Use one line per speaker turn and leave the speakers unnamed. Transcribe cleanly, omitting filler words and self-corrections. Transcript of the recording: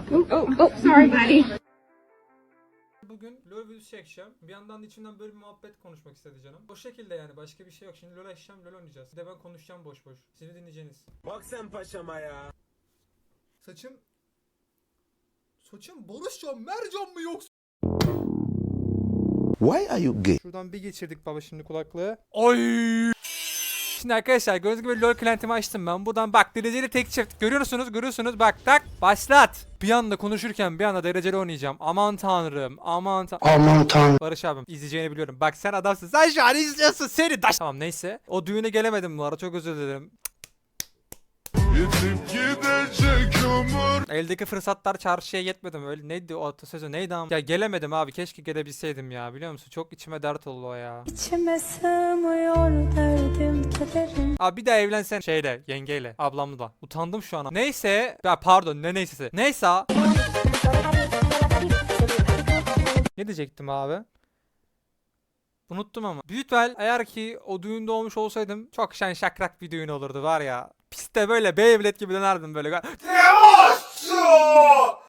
Sorry buddy.
Bugün LoL videosu çekeceğim. Bir yandan da içimden böyle bir muhabbet konuşmak istedi canım. O şekilde yani, başka bir şey yok. Şimdi LoL açacağım, LoL oynayacağız. Bir de ben konuşacağım boş boş. Siz dinleyeceğiniz.
Bak sen paşama ya.
Saçım Barışcan Mercan mı yoksa?
Why are you gay?
Şuradan bir geçirdik baba şimdi kulaklığı. Oy! Şimdi arkadaşlar gördüğünüz gibi LoL client'imi açtım ben. Buradan bak, dereceli tek çift. Görüyorsunuz bak, tak başlat. Bir anda konuşurken bir anda dereceli oynayacağım. Aman tanrım, aman tanrım. Barış abim izleyeceğini biliyorum. Bak sen adamsın. Sen şu an izliyorsun seni. Tamam neyse. O düğüne gelemedim bu arada, çok özür dilerim. Eldeki fırsatlar çarşıya yetmedim, öyle neydi o atasözü, neydi ama ya, gelemedim abi, keşke gelebilseydim ya, biliyor musun, çok içime dert oldu o ya.
İçime sığmıyor derdim kederim.
Abi bir daha evlensen şeyle, yengeyle, ablamla da, utandım şu an. Neyse ya, pardon, neyse ne diyecektim abi, unuttum ama. Büyük ihtimal eğer ki o düğünde olmuş olsaydım çok şen şakrak bir düğün olurdu var ya. Piste böyle Beyblade gibi dönerdim böyle.